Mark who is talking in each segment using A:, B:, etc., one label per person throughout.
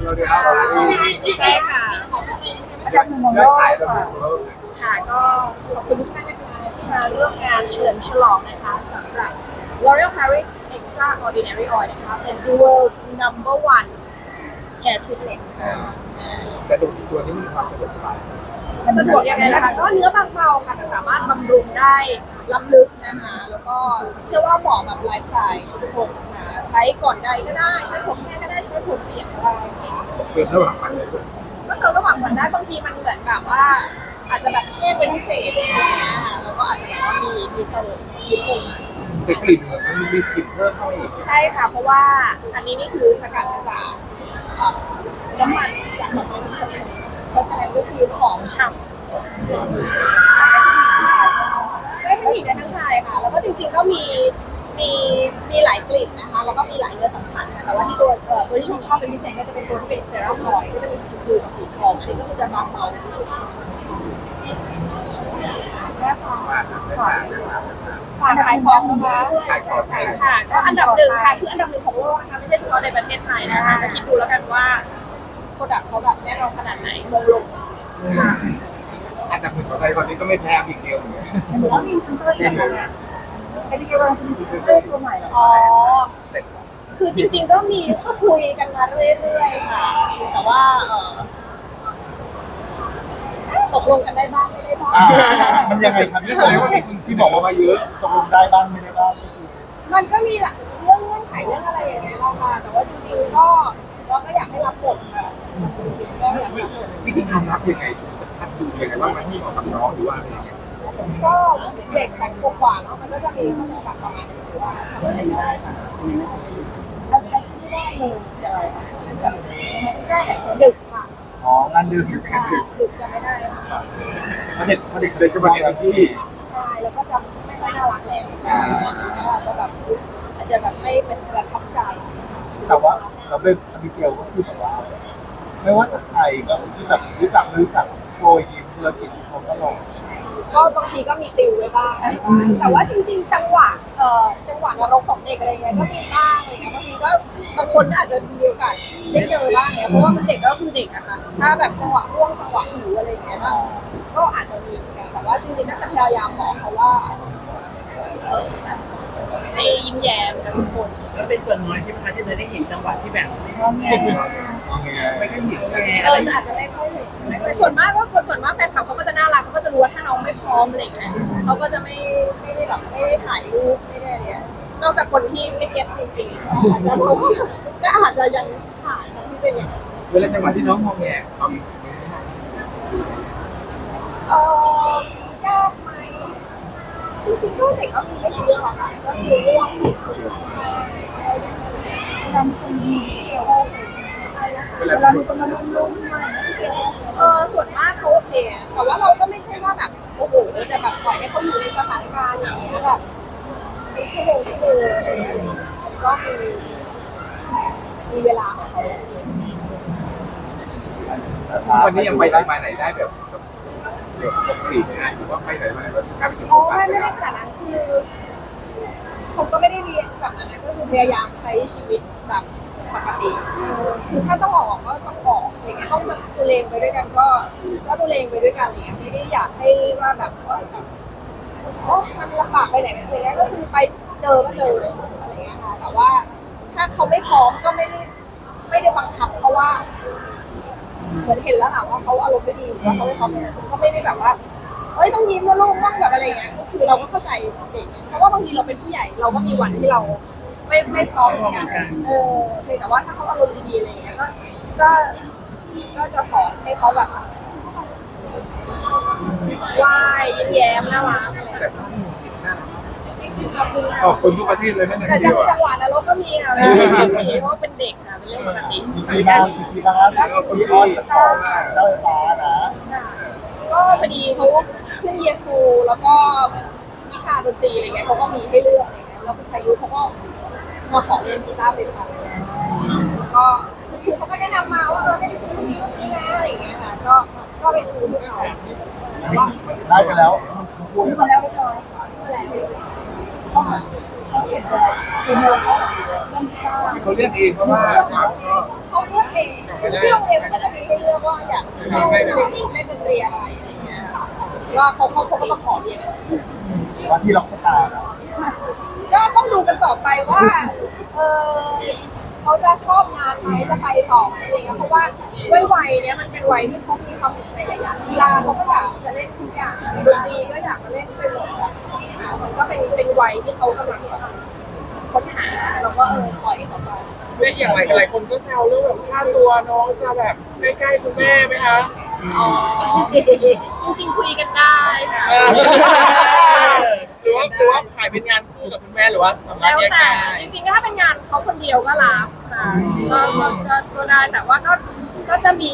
A: เราเรียนเอา
B: ใช่ค่ะ
A: ยอดขายเรา
B: ค่ะก็ขอบคุณทุกท่านนะคะที่มาร่วมงานเฉลิมฉลองนะคะสำหรับ L'Oréal Paris Extraordinary Oil นะคะเป็น The World's Number One Hair Treatment ค่ะ
A: แต่ตัวนี้มีความสะดวกสบาย
B: สะดวกยังไงนะคะก็เนื้อบางเบาค่ะแต่สามารถบำรุงได้ล้ำลึกนะคะแล้วก็เชื่อว่าเหมาะกับไลฟ์สไตล์ทุกคนนะคะใช้ก่อนใดก็ได้ใช้ผมแห้งก็ได้ใช้ผมเปียกก็ได้ค่ะ
A: เติมระหว่างวันเลย
B: ก็เติมระหว่างวันได้บางทีมันเหมือนแบบว่าอาจจะแบบแห้งเป็นพิเศษอะไรอย่างเงี้ยค่ะแล้วก็อาจจะแบบว่ามีเติมมีปรุง
A: แต่กลิ่นมันมีกลิ่นเพิ่มเข้าไปอีก
B: ใช่ค่ะเพราะว่าอันนี้นี่คือสกัดมาจากน้ำมันจากน้ำมันเพราะฉะนั้นก็คือหอมฉ่ำได้ทั้งหญิงได้ทั้งชายค่ะแล้วก็จริงๆก็มีหลายกลิ่นนะคะแล้วก็มีหลายเนื้อสัมผัสนะแต่ว่าที่ตัวที่ชอบเป็นพิเศษก็จะเป็นตัวที่เป็นเซรั่มออยล์ก็จะมีสีชมพูกับสีทองอันนี้ก็คือจะบางเบาเป็นพิเศษฝากขายของนะคะค่ะก็อันดับหนึ่งค่ะคืออันดับหนึ่งของโลกนะคะไม่ใช่เฉพาะในประเทศไทยนะคะแต่คิดดูแล้วกันว่าโปรดักต์เขาแบบแน่นอนขนาดไหนมงลงค่ะ
A: อันดับหนึ่งของไทยตอนนี้ก็ไม่แพ้อีกเดียวเลย
C: แล้วมีซิงเกิลอย่างไรเนี่ยไอ้ที่เราจะมีซิงเกิลตัวใหม่เหรอ
B: อ๋อคือจริงๆก็มีคุยกันมาเรื่อยๆค่ะแต่ว่าตกลงกันได้บ้างไม่ได้บ้าง
A: มันยังไงครับนี่แสดงว่ามีคุณที่บอกว่ามาเยอะตกลงได้บ้างไม่ได้บ้าง
B: มันก็มีหลักเรื่องเงื่อนไขเรื่องอะไรอย่างเงี้ยเราค่ะแต่ว่าจริงๆก็เราก็อยากให้รับบทค่ะก็อยากรับบท
A: วิธีการรับยังไงคัดดูยังไงว่ามันให้เหมาะกับน้องหรือว่าอะไรอย่างเงี้ย
B: ก็เด็ก2 ขวบกว่าเนาะมันก็จะมีข้อจำกัดประมาณนี้ว่าทำอะไรได้ค่ะ
C: อะไรที่ได้เลยอะไรแบบ
B: แรกดึกค่ะ
A: อ๋องานดึกอยู่งานดึก
B: ดึกจะไม่ได้ค่ะ
A: เด็กจะมาเรียนที่
B: ใช่แล้วก็จะไม่ค่อยน่ารักแล้วอาจจะแบบไม่เป็นประทับใจ
A: แต่ว่าเราเป็นอบิเกลก็คือแบบว่าไม่ว่าจะใครก็ที่แบบรู้จักไม่รู้จักโปรยยิ้มธุรกิจเขาก็ลง
B: ก็บางทีก็มีติวไว้บ้างแต่ว่าจริงๆจังหวะนรกของเด็กอะไรเงี้ยก็มีบ้างอะไรเงี้ยบางทีก็บางคนก็อาจจะมีโอกาสได้เจอบ้างเนี่ยเพราะว่ามันเด็กก็คือเด็กอะค่ะถ้าแบบจังหวะร่วงจังหวะหิวอะไรเงี้ยก็อาจจะมีเหมือนกันแต่ว่าจริงๆก็จะพยายามบอกเขาว่าให้ยิ้มแย้มกับทุกคน
D: ก็เป็นส่วนน้อยใช่ไหมคะที่เราได้เห็นจังหวะที่แบบ
A: ไม่ได้เห็น
B: อาจจะไม่ค่อยเห็นส่วนมากแฟนคลับเขาก็จะน่ารักเขาก็จะรู้ว่าถ้าน้องไม่พร้อมอะไรอย่างเงี้ยเขาก็จะไม่ได้แบบไม่ได้ถ่ายรูปไม่ได้อะไรนอกจากคนที่ไม่เก็ตจริงๆอาจจะก็อาจจะยังถ่ายที่เป็นอย่าง
A: เวลาจังหวะที่น้องมองแง
B: ยากไหมจริงๆก็เด็กก็มีไม่เยอะหรอกค่ะก็คือเรื่อง
C: ทำคนดีเวลาดูคนมาลุ้ม
B: ส่วนมากเขาโอเคแต่ว่าเราก็ไม่ใช่ว่าแบบโอ้โหจะแบบปล่อยให้เขาอยู่ในสถานการณ์อย่างนี้แบบชั่วโมงก็มีเวลาของเขา
A: วันนี้ยังไปไหนมาไหนได้แบบปกตินะหรือว่าไปไหนมาไหนแบบการไปถึง
B: ไม่ได้ขนาดนั้นคือชมก็ไม่ได้เรียนแบบนั้นก็คือพยายามใช้ชีวิตแบบปกติคือถ้าต้องออกก็ต้องออกอะไรเงี้ยต้องตัวเลงไปด้วยกันก็ตัวเลงไปด้วยกันอะไรเงี้ยไม่ได้อยากให้ว่าแบบมันลำบากไปไหนอะไรเงี้ยก็คือไปเจอก็เจออะไรเงี้ยค่ะแต่ว่าถ้าเขาไม่พร้อมก็ไม่ได้บังคับเขาว่าเหมือนเห็นแล้วค่ะว่าเขาอารมณ์ไม่ดีว่าเขาไม่พร้อมฉันก็ไม่ได้แบบว่าต้องยิ้มนะลูกต้องแบบอะไรเงี้ยก็คือเราก็เข้าใจเด็กเพราะว่าบางทีเราเป็นผู้ใหญ่เราก็มีวันที่เราไม่พร้อมเหมือนกันแต่ว่าถ้าเขาอารมณ์ดีๆอะไรเงี้ยก็จะสอนให้เขาแบบว่ายยิ้มแย้มน่ารัก
A: แต่ถ้าที่มันติดหน้าคนทุกประเทศเลยนั่นเอง
B: แต่จังหวะนรกก็มีค่ะมีเพราะว่าเป็นเด็กค่ะเป็นเรื่องปกติ
A: มีบ้างแล้วคนที่เจ้าฟ้านะ
B: ก็พอดีเขาขึ้นเยียร์ทูแล้วก็วิชาดนตรีอะไรเงี้ยเขาก็มีให้เลือกอะไรเงี้ยแล้วคุณพายุเขาก็มาขอเรียนกีตาร์ไฟฟ้าก็คือเขาก็แนะนำมาว่าให้ไปซื้อรุ่นนี้นะอะไรอย่างเงี้ยค่ะก็ไปซื้อให้เขา
A: ได้กันแล้ว
C: พูดมาแล้วไม่น้อยเขาเห็นเลยเป็นเรื่องเขา
A: เลือกเองเพราะว่า
B: เขาเลือกเองที่โรงเรียนมันก็จะมีให้เลือกว่าอยากเล่นดนตรีอะไรอะไรเงี้ยว่าเขาก็มาขอเรียน
A: ว่าที่ล็อกสตาร์นะ
B: ก็ต้องดูกันต่อไปว่าเขาจะชอบงานไหมจะไปต่อไหมอะไรเงี้ยเพราะว่าด้วยวัยเนี้ยมันเป็นวัยที่เขามีความสนใจหลายอย่างกีฬาเขาก็อยากจะเล่นทุกอย่างดนตรีก็อยากจะเล่นไปหมดแบบมันก็เป็นวัยที่เขากำลังค้นหาแล้วก็ปล่อยเขาไป
E: เนี่ยอย่างหลายคนก็แซวเรื่องแบบค่าตัวน้องจะแบบใกล้ๆคุณแม่ไหมคะ
B: อ๋อจริงๆคุยกันได้ค่ะ
E: หรือว่าขายเป็นงานคู่กับคุณแม่หรือว่าสามารถ
B: แล้ว
E: แยก
B: แต่
E: ได้
B: จริงๆถ้าเป็นงานเขาคนเดียวก็รับค่ะก็ได้แต่ว่าก็จะมี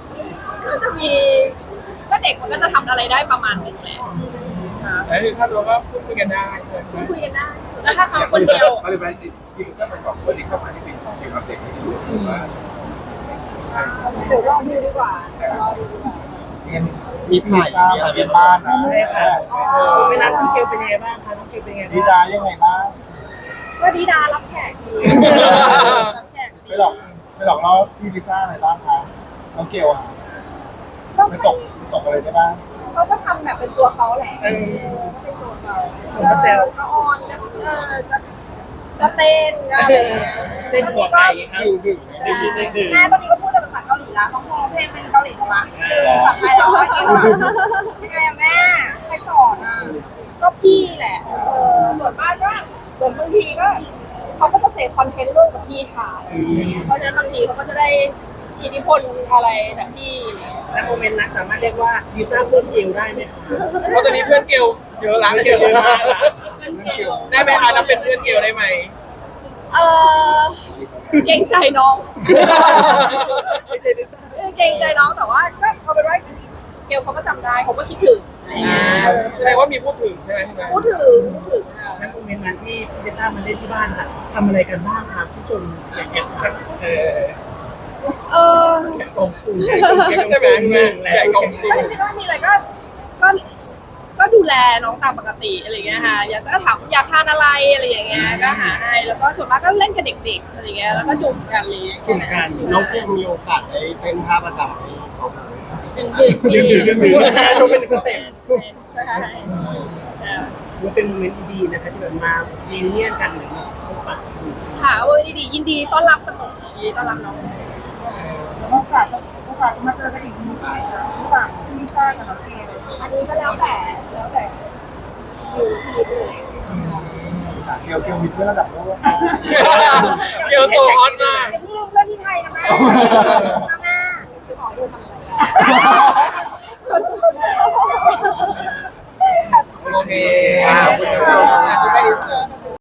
B: ก็เด็กมันก็จะทำอะไรได้ประมาณหนึงแหละค่ะ
E: แล้วคือค่าตัวก็พูดคุยกันได้ใช่ไหม
B: คุยกันได้แล้วถ้าเขาคนเดียว
A: ก็เลยไปติดที่ก็ไปสองคนที่เข้ามาที่เป็นของเด็กเด็กอยู่ว่า
B: เดี๋ยวรอดูดีกว่า
A: เรียนมีถ่ายมาเรียนบ้านนะ
D: ใช่ค่ะเวลาพี่เกลเป็นยังไงบ้างคะน้องเกลเป็นยังไง
A: ดี
D: บ้าง
A: ดายังไงบ้าง
B: ก็ดีดารับแขกดีรับแขก
A: ไปหลอกล่อพี่ลิซ่าอะไรบ้างคะน้องเกลอ่ะ
B: ก็
A: ไม่ตกอะไรได้บ้าง
B: เขาก็ทำแบบเป็นตัวเขาแหละก็เป็นตัวเขาก็ออนก็เต้นก็อะไรอย่างเงี้ย
D: เต้นหัวไก่ครับ
A: ดึง
B: แม่ตอนนี้ก็พูดแต่ภาษาเกาหลีละต้องมองเพลงเป็นเกาหลีหมดละภาษาไทยแล้วยังไงอะแม่ใครสอนอ่ะก็พี่แหละส่วนมากก็เหมือนบางทีก็เขาก็จะเสพคอนเทนต์ร่วมกับพี่ชายเพราะฉะนั้นบางทีเขาก็จะได้อิทธิพลอะไรจากพี่
D: ณโมเมนต์นั้นสามารถเรียกว่าลิซ่าเพื่อนเกลได้ไหมคะ
E: เพราะตอนนี้เพื่อนเกลเยอะละ
D: เกลเยอะมากละ
E: ได้ไหมคะนับเป็นเพื่อนเกลได้ไหม
B: เกรงใจน้องเกรงใจน้องแต่ว่าก็เขาเป็นว่าเกลเขาก็จำได้เขาก็คิดถึง
E: แสดงว่ามีพูดถึงใช่ไหมพี่แม่
B: พูดถึงค่ะ
D: ณโมเมนต์นั้นที่ลิซ่ามาเล่นที่บ้านค่ะทำอะไรกันบ้างครับผู้ชมอยากเห็นครับ
E: กองฟูใช่ไหมพี่แม่ใหญ่กองฟู
B: ก็จริงๆก็มีอะไรก็ดูแลน้องตามปกติอะไรเงี้ยค่ะอยากก็ถามอยากทานอะไรอะไรอย่างเงี้ยก็หาให้แล้วก็ส่วนมากก็เล่นกับเด็กๆอะไรเงี้ยแล้วก็จุ่มกันเลย
D: กลุ่มกัน
A: น้องเกลมีโอกาสได้เต้นท่าประจำให้เขา
B: เป็นเด็ก
D: ชมเป็นสเต็ป
B: ใช่
D: มันเป็นโมเมนต์ดีๆนะคะที่แบบมาเรียนเนี่ยกันหรือมาพบปะ
B: ค่ะโอ้ยดียินดีต้อนรับเสมอยินดีต้อนรับน้อง
C: โอกาสมาเจอกันอีกทีใช่ไหมคะระหว่างที่ลิซ่ากับน้องเกล
B: อันนี้ก็แล้วแต่ชิวพี่เลย
A: เกลมีเพื่อนระดับโลก
E: เกลโซฮอตมาก
B: อย่าเพิ่งลืมเรื่องที่ไทยนะแม่แม่จะขอดูทำอะไร
E: โอเค
A: ขอบคุณครับ